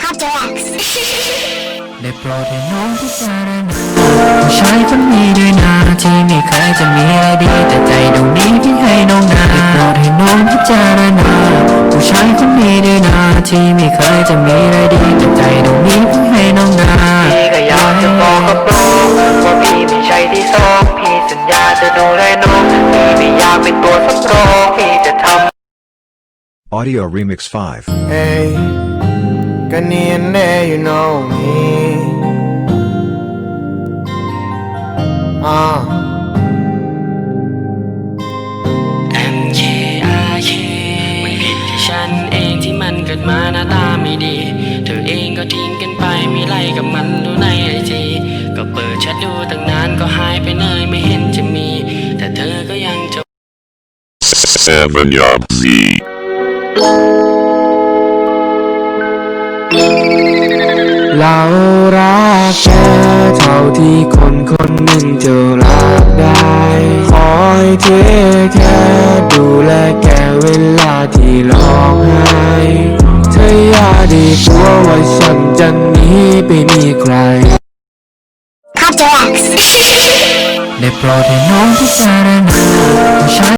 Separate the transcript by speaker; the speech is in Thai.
Speaker 1: ได้โปรดให้น้องพิจารณาผู้ชายคนนี้ด้วยนะที่ไม่เคยจะมีอะไรดีแต่ใจดวงนี้ที่ให้น้องนาได้โปรดให้น้องพิจารณาผู้ชายคนนี้ด้วยนะที่ไม่เคยจะมีอะไรดีแต่ใจดวงนี้ที่ให้น้องนาพี่ก็อยากจะบอกกับน้องว่าพี่ไม่ใช่ที่สองพี่สัญญาจะดูแลน้องพี่ไม่อยากเป็นตัวสำรองพี่จะทำ
Speaker 2: Audio Remix 5
Speaker 3: Hey, Gunny and there, you know me.
Speaker 1: MKRK มันผิดที่ฉันเองที่มันเกิดมาหน้าตาไม่ดีเธอเองก็ทิ้งกันไปมีไรกับมันดูในไอจีก็เปิดแชทดูตั้งนานก็หายไปเลยไม่เห็นจะมีแต่เธอก็ยังจะ
Speaker 4: Seven Yard Z.
Speaker 3: เรารักแค่เท่าที่คนคนหนึ่งจะรักได้คอยเทคแค่ดูแลแกเวลาที่ร้องไห้เธออย่าได้กลัวว่าฉันจะหนีไปมีใคร
Speaker 1: ได้โปรดให้น้องพิจารณา